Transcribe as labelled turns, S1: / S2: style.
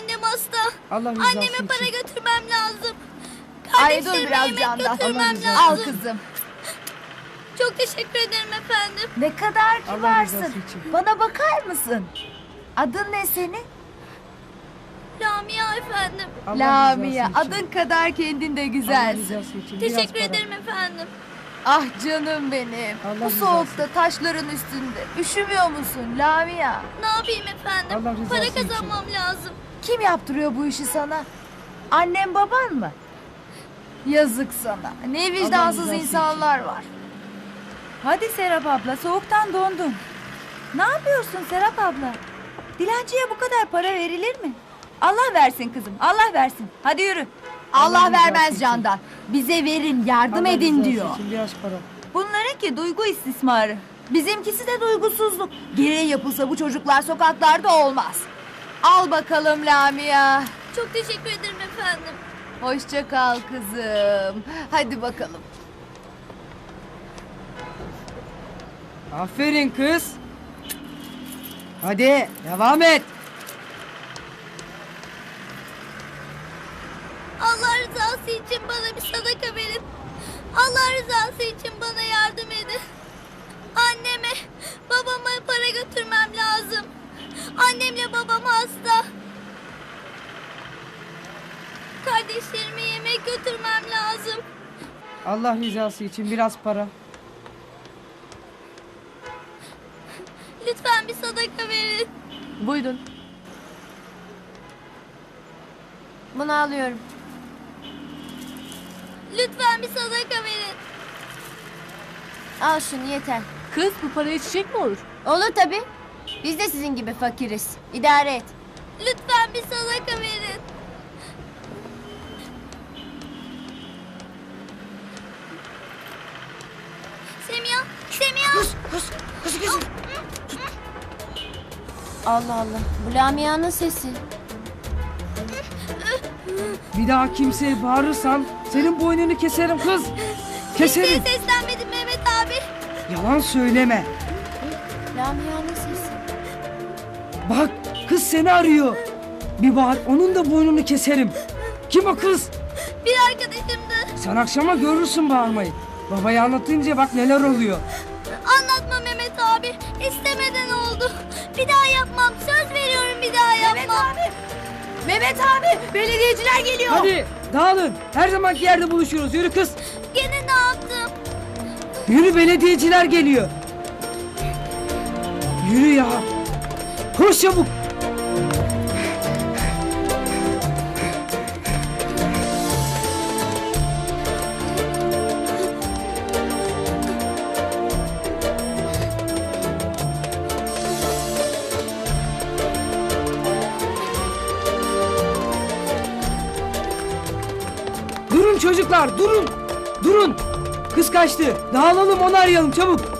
S1: Annem hasta.
S2: Allah rızası
S1: Anneme
S2: için.
S1: para götürmem lazım.
S3: Ay dur
S1: Kardeşlerime
S3: biraz
S1: yemek
S3: Candan.
S1: götürmem
S2: Allah
S3: Al
S1: lazım.
S3: kızım.
S1: Çok teşekkür ederim efendim.
S3: Ne kadar
S2: Allah rızası
S3: kibarsın.
S2: için.
S3: Bana bakar mısın? Adın ne senin?
S1: Lamia efendim.
S2: Allah
S3: Lamia.
S2: rızası için.
S3: Adın kadar kendin de
S2: Allah
S3: güzelsin.
S2: rızası için. Biraz
S1: Teşekkür
S2: para.
S1: ederim efendim.
S3: Ah canım benim.
S2: Allah
S3: Bu
S2: rızası
S3: soğukta taşların üstünde. Üşümüyor musun Lamia?
S1: Ne yapayım efendim?
S2: Allah rızası
S1: Para
S2: için.
S1: kazanmam lazım.
S3: Kim yaptırıyor bu işi sana? Annem baban mı? Yazık sana. Ne vicdansız
S2: rızası
S3: insanlar var.
S4: Hadi Serap abla, soğuktan dondun. Ne yapıyorsun Serap abla? Dilenciye bu kadar para verilir mi? Allah versin kızım, Allah versin. Hadi yürü.
S3: Allah
S2: Allah rızası
S3: vermez
S2: için.
S3: Candan. Bize verin, yardım
S2: Allah
S3: edin
S2: rızası
S3: diyor.
S2: için biraz para.
S4: Bunlarınki duygu istismarı.
S3: Bizimkisi de duygusuzluk. Gereği yapılsa bu çocuklar sokaklarda olmaz. Al bakalım Lamia.
S1: Çok teşekkür ederim efendim.
S3: Hoşça kal kızım. Hadi bakalım.
S2: Aferin kız. Hadi devam et.
S1: Allah rızası için bana bir sadaka verin. Allah rızası için bana yardım edin. Anneme, babama para götürmem lazım. Annemle babam hasta. Kardeşlerime yemek götürmem lazım.
S2: Allah rızası için biraz para.
S1: Lütfen bir sadaka verin.
S3: Buyurun. Bunu alıyorum.
S1: Lütfen bir sadaka verin.
S3: Al şunu yeter.
S5: Kız bu paraya çiçek mi olur?
S3: Olur tabii. Biz de sizin gibi fakiriz. İdare et.
S1: Lütfen bir sadaka verin. Semiha, Semiha.
S3: Allah Allah. Bu Lamia'nın sesi.
S2: Bir daha kimseye bağırırsan senin boynunu keserim kız. Keserim.
S1: Kimseye seslenmedim Mehmet abi.
S2: Yalan söyleme.
S3: Lamia'nın sesi.
S2: Bak kız seni arıyor. Bir bağır onun da boynunu keserim. Kim o kız?
S1: Bir arkadaşımdı.
S2: Sen akşama görürsün bağırmayı. Babaya anlatınca bak neler oluyor.
S1: Anlatma Mehmet abi. İstemeden oldu. Bir daha yapmam. Söz veriyorum bir daha yapmam.
S3: Mehmet abi, belediyeciler geliyor.
S2: Hadi dağılın. Her zamanki yerde buluşuyoruz. Yürü kız.
S1: Gene ne yaptım?
S2: Yürü belediyeciler geliyor. Yürü ya. Koş çabuk. Durun çocuklar durun. Durun. Kız kaçtı. Dağılalım onu arayalım çabuk.